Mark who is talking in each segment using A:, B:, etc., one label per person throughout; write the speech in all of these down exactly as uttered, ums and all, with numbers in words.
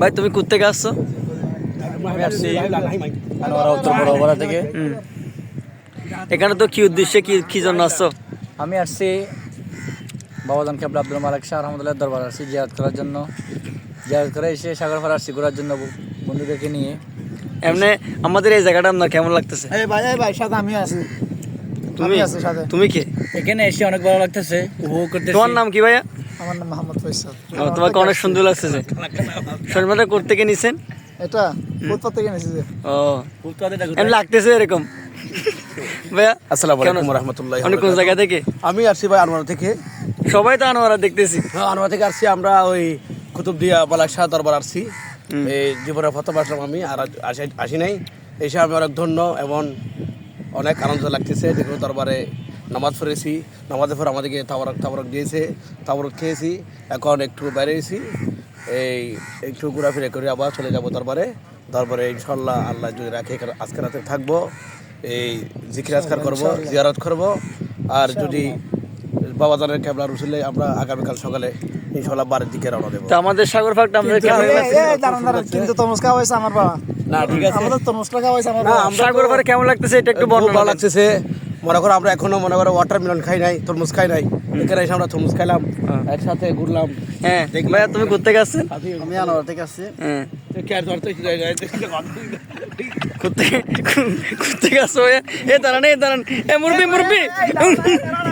A: ভাই তুমি কোত্থেকে আসছো?
B: আমি আসছি আনোয়ারা উত্তর বড়বড়া থেকে।
A: এখানে তো কি উদ্দেশ্যে কি কি জন্য আসছো?
B: আমি আসছি বাবাজান কেবলা আব্দুল মালিক শাহ রহমতুল্লাহ দরবার আসছি জিয়ারত করার জন্য। জিয়ারত করে এসে সাগরপাড়া আসছি ঘোরার জন্য বন্ধুদেরকে নিয়ে।
A: এমনি আমাদের এই জায়গাটা আপনার কেমন লাগতেছে?
C: এই ভাই এই ভাই সাথে আমি আছি।
A: তুমি
C: আছি সাথে।
A: তুমি কে?
B: এখানে এসে অনেক ভালো লাগতেছে, উপভোগ করতেছি।
A: তোমার নাম কি ভাইয়া?
C: আমার নাম মোহাম্মদ ফয়সাল।
A: ও, তোমাকে অনেক সুন্দর লাগতেছে। শর্মাটা করতে কে নিছেন?
C: এটা ফুটপাত থেকে নিয়েছি যে।
A: ও এমনি লাগতেছে এরকম ভাইয়া।
D: আসসালামু
A: কেমন
D: আলাইকুম
A: আছো?
D: রহমতুল্লাহ।
A: আপনি কোন জায়গা থেকে?
D: আমি আসছি ভাই আনোয়ারা থেকে।
A: সবাই তো আনোয়ারা দেখতেছি।
D: হ্যাঁ, আনোয়ারা থেকে আসছি আমরা ওই কুতুবদিয়া মালিক শাহ দরবার আসছি। এই জীবনে প্রথম আসলাম আমি, আর আসি আসি নাই। এসে আমি অনেক ধন্য এবং অনেক আনন্দ লাগতেছে। যেগুলো দরবারে নামাজ পড়েছি, নামাজের পর আমাদেরকে তাবরক তাবরক দিয়েছে, তাবরক খেয়েছি। এখন একটু বেরিয়েছি, এই একটু ঘোরাফেরা করে আবার চলে যাব দরবারে। দরবারে ইনশাল্লাহ আল্লাহ যদি রাখে আজকে রাতে থাকবো, এই জিকির আজকার করবো, জিয়ারত করবো। আর যদি বাবাজানের কেবলা রসুলে আমরা আগামীকাল সকালে ইনশাল্লাহ বাড়ির দিকে রওনা দেবো।
A: তো আমাদের সাগর ফাঁকটা আমাদের কেমন
C: এই,
A: লাগছে?
C: এই, দাঁড়ান, দাঁড়ান, কিন্তু তরমুজ খাওয়া হয়েছে আমার বাবা।
D: না ঠিক আছে,
C: আমাদের তরমুজ খাওয়া হয়েছে আমার
D: না,
C: বাবা।
D: আমরা
A: সাগর ফাঁক কেমন লাগতেছে এটা একটু
D: খুব
A: বর্ণনা
D: ভালো
A: দেন।
D: লাগতেছে। মনে করো আমরা এখনো মনে করো ওয়াটার মেলন খাই নাই, তরমুজ খাই নাই। এখানে এসে আমরা তরমুজ খাইলাম, একসাথে ঘুরলাম।
A: হ্যাঁ ভাইয়া তুমি কোত্থেকে আসছেন?
C: আমি আনোয়ার থেকে আসছি।
A: হ্যাঁ কোত্থেকে কোত্থেকে আসছো ভাইয়া? এ দাঁড়ান, এ দাঁড়ান, এ মুরবি মুরবি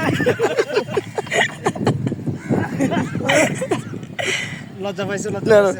C: লজ্জা পাইছে
A: না,
C: লজ্জা
A: না।
C: পাইছে।